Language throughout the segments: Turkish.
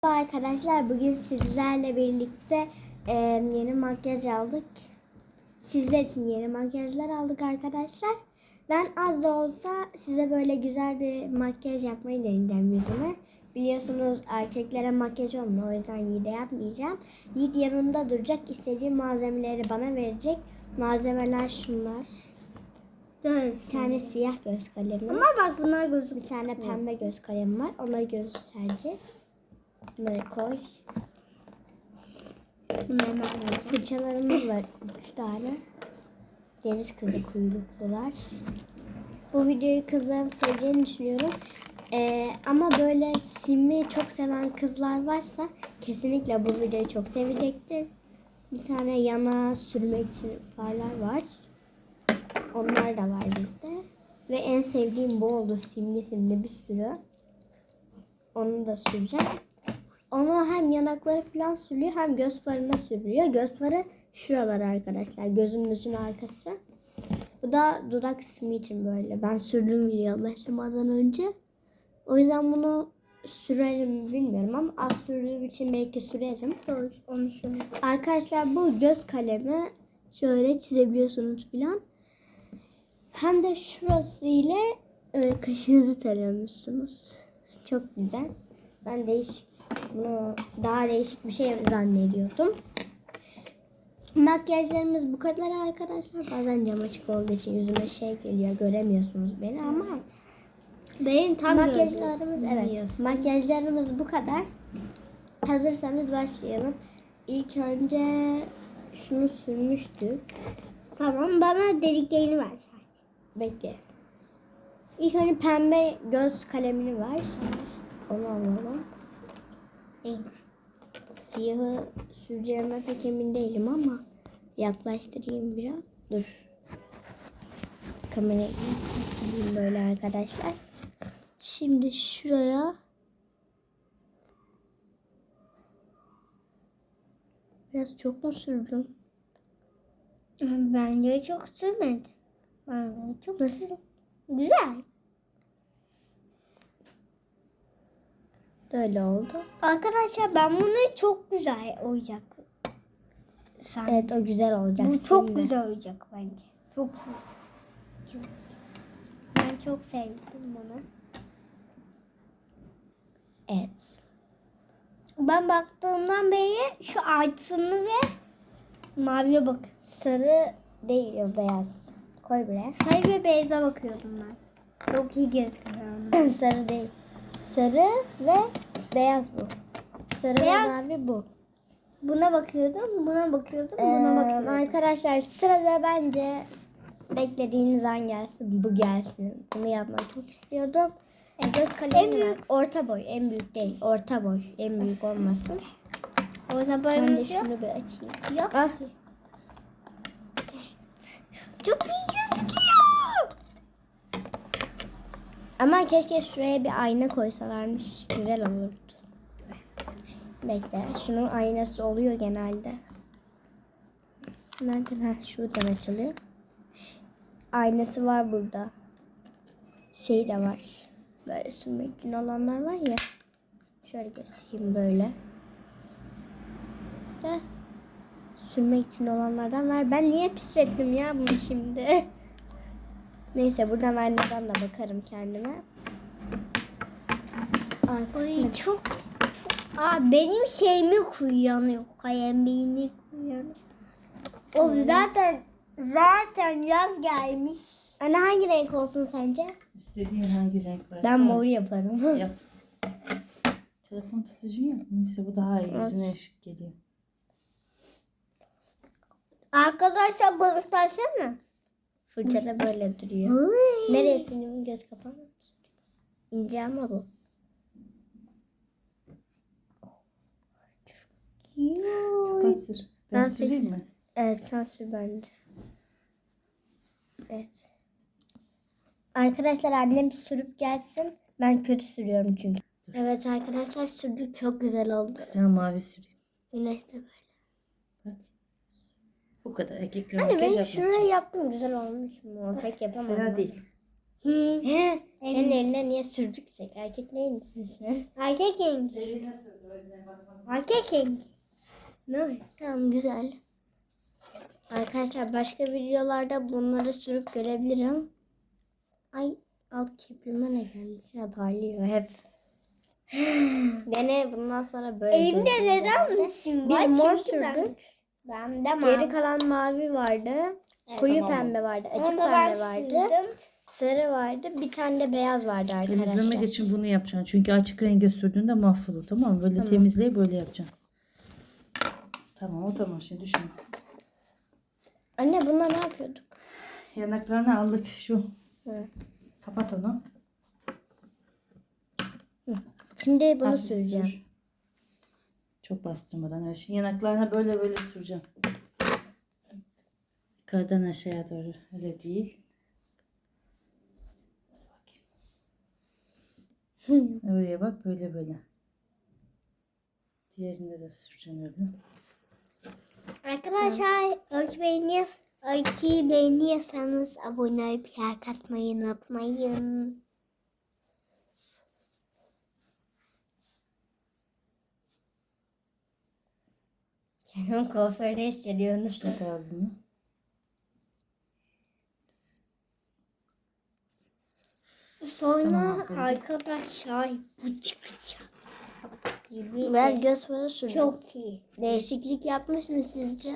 Merhaba arkadaşlar, bugün sizlerle birlikte yeni makyaj aldık. Sizler için yeni makyajlar aldık arkadaşlar. Ben az da olsa size böyle güzel bir makyaj yapmayı deneyeceğim yüzüme. Biliyorsunuz erkeklere makyaj olmuyor, o yüzden Yiğit'e yapmayacağım. Yiğit yanımda duracak, istediği malzemeleri bana verecek. Malzemeler şunlar. Bir tane siyah göz kalemi. Ama bak bunlar gözüküyor. Bir tane pembe göz kalemi var, onları göstereceğiz. Bunları koy. Fırçalarımız var 3 tane. Deniz kızı kuyruklular. Bu videoyu kızların seveceğini düşünüyorum. Ama böyle simi çok seven kızlar varsa kesinlikle bu videoyu çok sevecektir. Bir tane yana sürmek için farlar var. Onlar da var bizde. Ve en sevdiğim bu oldu. Simli bir sürü. Onu da süreceğim. Onu hem yanakları falan sürüyor hem göz farına sürüyor. Göz farı şuralar arkadaşlar. Gözümüzün arkası. Bu da dudak simi için böyle. Ben sürdüm video başlamadan önce. O yüzden bunu sürerim bilmiyorum ama az sürdüğüm için belki sürerim. Onu şunu. Arkadaşlar bu göz kalemi şöyle çizebiliyorsunuz falan. Hem de şurası ile kaşınızı tarıyormuşsunuz. Çok güzel. Ben bunu daha değişik bir şey zannediyordum. Makyajlarımız bu kadar arkadaşlar. Bazen cam açık olduğu için yüzüme geliyor. Göremiyorsunuz beni ama Benim tam makyajlarımız makyajlarımız bu kadar. Hazırsanız başlayalım. İlk önce şunu sürmüştük. Tamam, bana deliklerini ver sadece. Bekle. İlk önce pembe göz kalemini ver. Onu alalım. Siyahı süreceğime pek emin değilim ama yaklaştırayım biraz. Dur. Kamerayı sileyim böyle arkadaşlar. Şimdi şuraya biraz çok mu sürdüm? Bence çok sürmedi. Bence çok Nasıl? güzel. Böyle oldu. Arkadaşlar ben bunu çok güzel olacak. Evet, o güzel olacak. Bu çok şimdi. güzel olacak bence. Çok iyi. Çok iyi. Ben çok sevdim bunu. Evet. Ben baktığımdan beri şu altını ve maviye bak. Sarı değil, o beyaz. Koy buraya. Sarı ve beyaza bakıyordum ben. Çok iyi gözüküyor. Sarı değil. Sarı ve beyaz bu. Sarı Beyaz. ve mavi bu. Buna bakıyordum, buna bakıyordum, buna bakıyordum. Arkadaşlar sırada bence beklediğiniz an gelsin. Bu gelsin. Bunu yapmayı çok istiyordum. Göz kalemi büyük. orta boy. En büyük değil. Orta boy. En büyük olmasın. Orta Ben de boyumuz şunu bir açayım. yok Ah. ki. Çok iyi gözüküyor. Ama keşke şuraya bir ayna koysalarmış. Güzel olurdu. Bekle. Şunun aynası oluyor genelde. Nereden? Şuradan açılıyor. Aynası var burada. Şey de var. Böyle sürmek için olanlar var ya. Şöyle göstereyim böyle. Sürmek için olanlardan var. Ben niye pislettim ya bunu şimdi? Neyse, buradan aynadan da bakarım kendime. Ay çok. Benim şeyimi kullanıyor. Kalemi kullanıyor. O zaten yaz gelmiş. Anne, hangi renk olsun sence? İstediğin hangi renk varsa. Ben mor yaparım. Yap. Telefon tutucu yok mu? İşte bu daha iyi. Yüzüne ışık geliyor. Arkadaşlar göstersene. Fırçada böyle duruyor. Nereye sürüyorum? Göz kapağı mı? İnce ama bu. Kapat sür. Ben süreyim mi? Evet, sen sür bence. Evet. Arkadaşlar annem sürüp gelsin. Ben kötü sürüyorum çünkü. Evet arkadaşlar, sürdük, çok güzel oldu. Sen mavi süreyim. Güneş de böyle. Bak. Bu kadar. Erkekler Anne, makyaj ben yapmaz. şurayı yaptım, güzel olmuş mu? Pek yapamadım. Fena değil. Senin eline niye sürdüksek? Erkek değil misin sen? Erkek rengi. Erkek rengi. Ne? Tamam güzel. Arkadaşlar başka videolarda bunları sürüp görebilirim. Ay alt kirpime ne gelmiş ya parlıyor hep. Gene bundan sonra böyle Elimde göreceğiz neden herhalde. misin? Biz var? mor Çünkü sürdük. Ben de Geri kalan mavi vardı. Koyu Tamam. pembe vardı. Açık Onu da ben pembe vardı. sürdüm. Sarı vardı. Bir tane de beyaz vardı arkadaşlar. Temizlemek için bunu yapacaksın. Çünkü açık renge sürdüğünde mahvolur, tamam mı? Böyle Tamam. temizleyip böyle yapacaksın. Tamam, o tamam, şimdi düşün. Anne bununla ne yapıyorduk? Yanaklarını aldık şu. Hı. Kapat onu. Şimdi bunu Hafif süreceğim. sür. Çok bastırmadan. Evet. Şimdi yanaklarına böyle böyle süreceğim. Yukarıdan aşağıya doğru. Öyle değil. Oraya bak, böyle böyle. Diğerinde de süreceğim öyle. Arkadaşlar öyküyü beğeniyorsanız abone olup like atmayı unutmayın. Kendimi kuaförde hissediyorum. Kapat ağzını. Sonra Tamam, aferin. arkadaşlar bu çıkacak gibi. Biraz göz farı süreceğim. Çok iyi. Değişiklik yapmış mı sizce?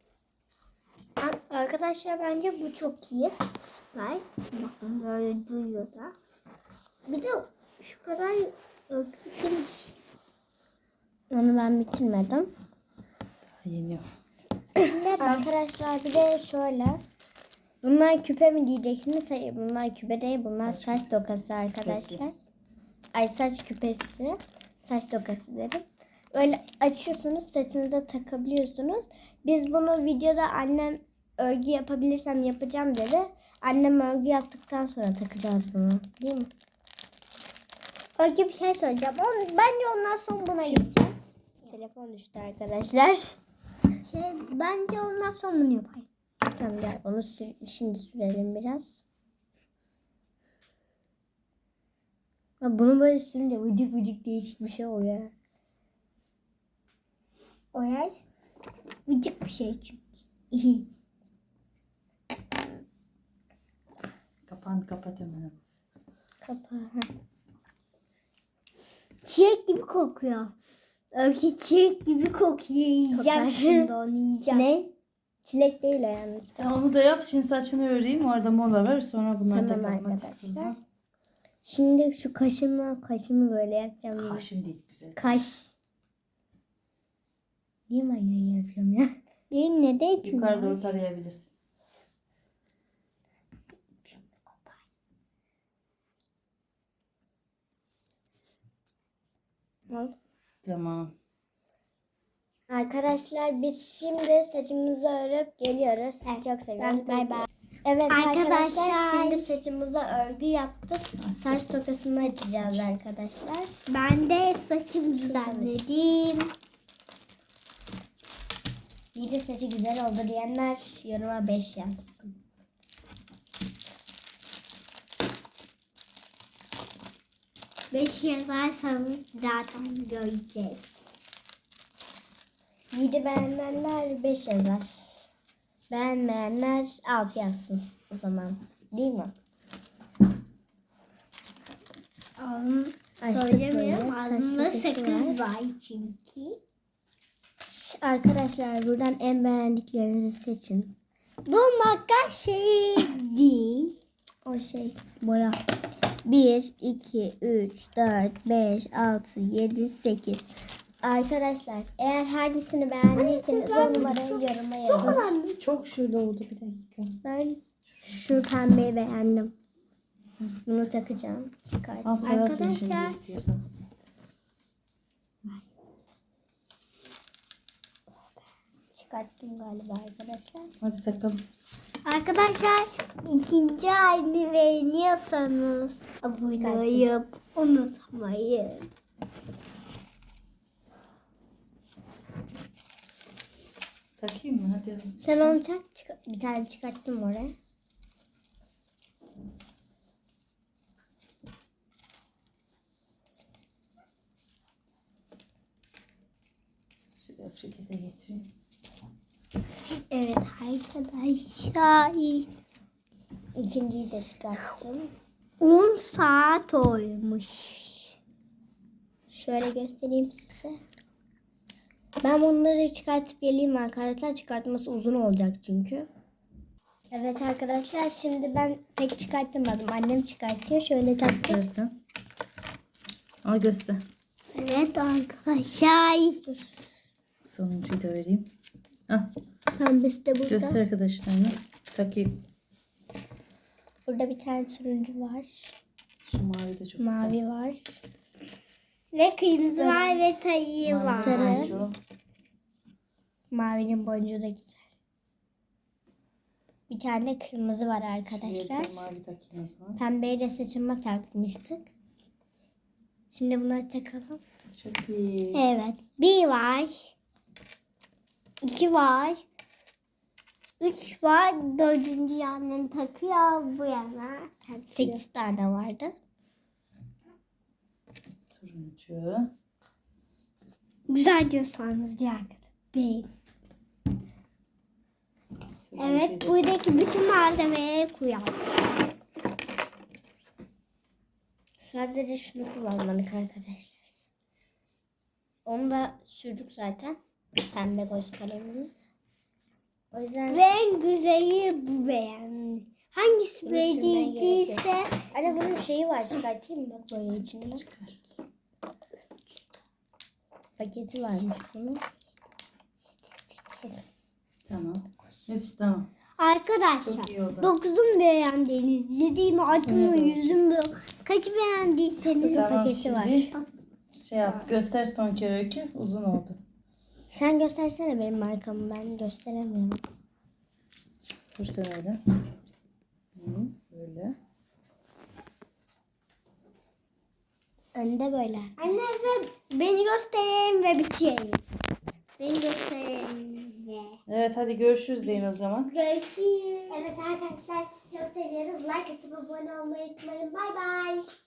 Arkadaşlar bence bu çok iyi. Süper. Bakın böyle duyuyor da. Bir de şu kadar öykü Onu ben bitirmedim. Yeniyor. Arkadaşlar bir de şöyle. Bunlar küpe mi diyeceksiniz? Hayır bunlar küpe değil. Bunlar saç tokası arkadaşlar. Ay saç küpesi. Saç tokası dedim. Böyle açıyorsunuz saçınıza takabiliyorsunuz. Biz bunu videoda annem örgü yapabilirsem yapacağım dedi. Annem örgü yaptıktan sonra takacağız bunu. Değil mi? öykü bir şey söyleyeceğim. Bence ondan sonra buna gideceğiz. Telefon düştü arkadaşlar. Bence ondan sonra bunu yapayım. Tamam gel onu şimdi sürelim biraz. Ha, bunu böyle sürünce vıcık vıcık değişik bir şey oluyor. O yer vıcık bir şey çünkü. Kapağını kapat hemen. Kapağı. Çiçek gibi kokuyor. Öykü çiçek gibi kokuyor. Yiyeceğim Kokar. şimdi onu yiyeceğim. Ne? Çilek değil o yalnız. Sen onu da yap. Şimdi saçını öreyim. Orada mola ver. Sonra bunları Tamam takalım. Hadi arkadaşlar. kızım. Şimdi şu kaşımı böyle yapacağım. Kaşın değil güzel. Kaş. Niye ben yayın yapıyorum ya? Benim ne de yapayım? Yukarı doğru tarayabilirsin. Al. Tamam. Arkadaşlar biz şimdi saçımızı örüp geliyoruz. Sizi çok seviyoruz. Bay bay. Evet Arkadaşlar. arkadaşlar şimdi saçımıza örgü yaptık. Saç tokasını açacağız arkadaşlar. Ben de saçımı düzenledim. İyi de saçı güzel oldu diyenler yoruma 5 yazsın. Beş yazarsanız zaten göreceğiz. 7 beğenenler 5 yazar. Beğenmeyenler 6 yazsın o zaman. Değil mi? Açtık Söylemiyorum. böyle, Ağzımda saç sakız dokusu var çünkü. Arkadaşlar buradan en beğendiklerinizi seçin. Bu makyaj şey değil. O şey boya. 1, 2, 3, 4, 5, 6, 7, 8. Arkadaşlar eğer hangisini beğendiyseniz o numarayı yoruma yazın. Çok şöyle oldu, bir dakika. Ben şu pembeyi beğendim. Bunu takacağım. Çıkartacağım. Al tarasın şimdi Arkadaşlar. istiyorsan. Çıkarttım galiba arkadaşlar. Hadi takalım. Arkadaşlar ikinci halini beğeniyorsanız abone olup unutmayın. Takayım mı? Hadi. Sen onu tak. Bir tane çıkarttım oraya. Yok şirkete getireyim. Evet arkadaşlar. İkinciyi de çıkarttım. 10 saat olmuş. Şöyle göstereyim size. Ben bunları çıkartıp geleyim arkadaşlar. Çıkartması uzun olacak çünkü. Evet arkadaşlar, şimdi ben pek çıkartamadım. Annem çıkartıyor. Şöyle tasdik. Göstersen. Al göster. Evet arkadaşlar. Sonuncuyu da vereyim. Al Pembesi de burada. göster arkadaşlarına. Takayım. Burada bir tane turuncu var. Şu mavi de çok güzel. Mavi var. Ve kırmızı var ve sayı Mavi var. Sarı. boncuğu. Mavinin boncuğu da güzel. Bir tane kırmızı var arkadaşlar. Bir mavi takayım o zaman. Pembeyi de saçıma takmıştık. Şimdi bunları takalım. Çok iyi. Evet. 1 var. 2 var. 3 var. 4. annem takıyor bu yana. 8 tane vardı. Turuncu. Güzel diyorsanız diğer beğen. Evet, Turuncuyu da- buradaki bütün malzemeleri koyalım. Sadece şunu kullanmadık arkadaşlar. Onu da sürdük zaten. Pembe göz kalemini. O yüzden En güzeli bu beğen. Hangisi Bunu sürmeye gerek beğendiyse anne bunun şeyi var, çıkartayım mı bak böyle içinden. Çıkar. Paketi varmış bunun. Tamam. Hepsi tamam. arkadaşlar Çok iyi oldu. 9'un beğendiğiniz, 7'yi mi, 6'ı mı, Evet. 100'ü mü, kaçı beğendiyseniz Tamam paketi şimdi var. şey yap. Göster son kere öykü. Uzun oldu. Sen göstersene benim markamı, ben gösteremiyorum. Göster öyle. Böyle. Önde böyle. Anne ve beni göstereyim ve bitireyim. Beni göstereyim ve Evet hadi görüşürüz deyin o zaman. görüşürüz. Evet arkadaşlar, sizi çok seviyoruz. Like atıp abone olmayı unutmayın. Bay bay.